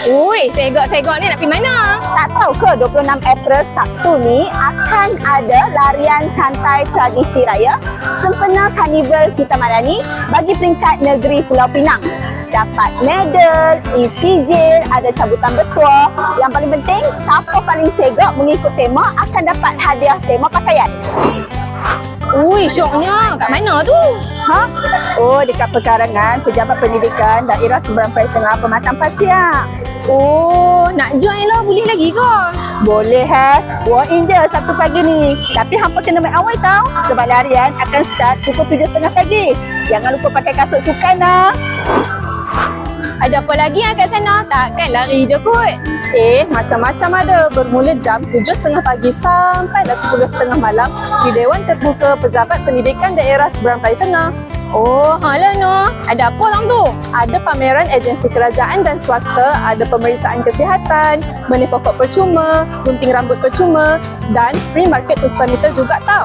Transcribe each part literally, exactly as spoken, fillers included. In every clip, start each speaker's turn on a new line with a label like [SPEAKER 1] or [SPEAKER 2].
[SPEAKER 1] Ui, segak-segak ni nak pergi mana?
[SPEAKER 2] Tak tahu ke dua puluh enam April Sabtu ni akan ada larian santai tradisi raya sempena Karnival Kita Madani bagi peringkat negeri Pulau Pinang. Dapat medal, isi jil, ada cabutan bertuah. Yang paling penting, siapa paling segak mengikut tema akan dapat hadiah tema pakaian.
[SPEAKER 1] Ui, syoknya. Kat mana tu?
[SPEAKER 2] Ha? Oh, dekat pekarangan Pejabat Pendidikan Daerah Seberang Peraya Tengah Pematang Pasiak.
[SPEAKER 1] Oh, nak join lah. Boleh lagi ke?
[SPEAKER 2] Boleh ha. Walk in je Sabtu pagi ni. Tapi hampa kena main awal tau. Sebab larian akan start pukul tujuh tiga puluh pagi. Jangan lupa pakai kasut sukan lah.
[SPEAKER 1] Ada apa lagi yang kat sana? Takkan lari je kot.
[SPEAKER 2] Eh, macam-macam ada. Bermula jam tujuh tiga puluh pagi sampailah sepuluh tiga puluh malam di Dewan Terbuka Pejabat Pendidikan Daerah Seberang Peraya Tengah.
[SPEAKER 1] Oh, halah no. Ada apa orang tu?
[SPEAKER 2] Ada pameran agensi kerajaan dan swasta, ada pemeriksaan kesihatan, benih pokok percuma, gunting rambut percuma dan free market puspanita juga tau.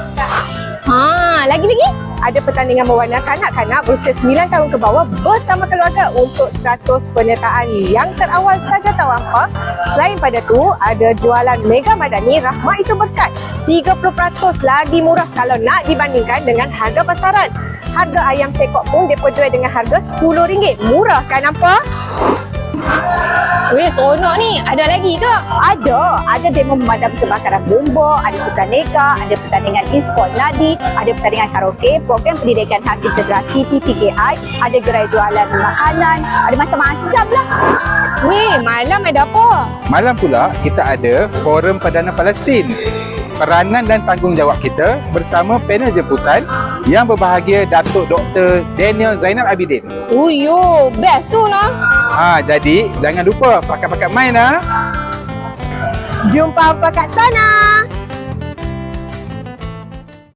[SPEAKER 1] Ha, lagi-lagi?
[SPEAKER 2] Ada pertandingan mewarna kanak-kanak berusia sembilan tahun ke bawah bersama keluarga untuk seratus penyertaan yang terawal saja tahu apa. Selain pada tu, ada jualan Mega Madani Rahmat Itu Berkat. tiga puluh peratus lagi murah kalau nak dibandingkan dengan harga pasaran. Harga ayam sekok pun mereka jual dengan harga sepuluh ringgit. Murah kan nampak?
[SPEAKER 1] Weh, seronok ni. Ada lagi ke?
[SPEAKER 2] Ada. Ada demo memadam kebakaran Bloomberg, ada sukan neka, ada pertandingan e-sport nadi, ada pertandingan karaoke, program pendidikan khas integrasi P T K I, ada gerai jualan makanan, ada macam-macam lah.
[SPEAKER 1] Weh, malam ada apa?
[SPEAKER 3] Malam pula kita ada Forum Perdana Palestin. Peranan dan tanggungjawab kita bersama panel jemputan yang berbahagia Datuk Doktor Daniel Zainal Abidin.
[SPEAKER 1] Uyo, best tu lah.
[SPEAKER 3] Ha, jadi jangan lupa pakat-pakat main lah.
[SPEAKER 2] Jumpa apa kat sana.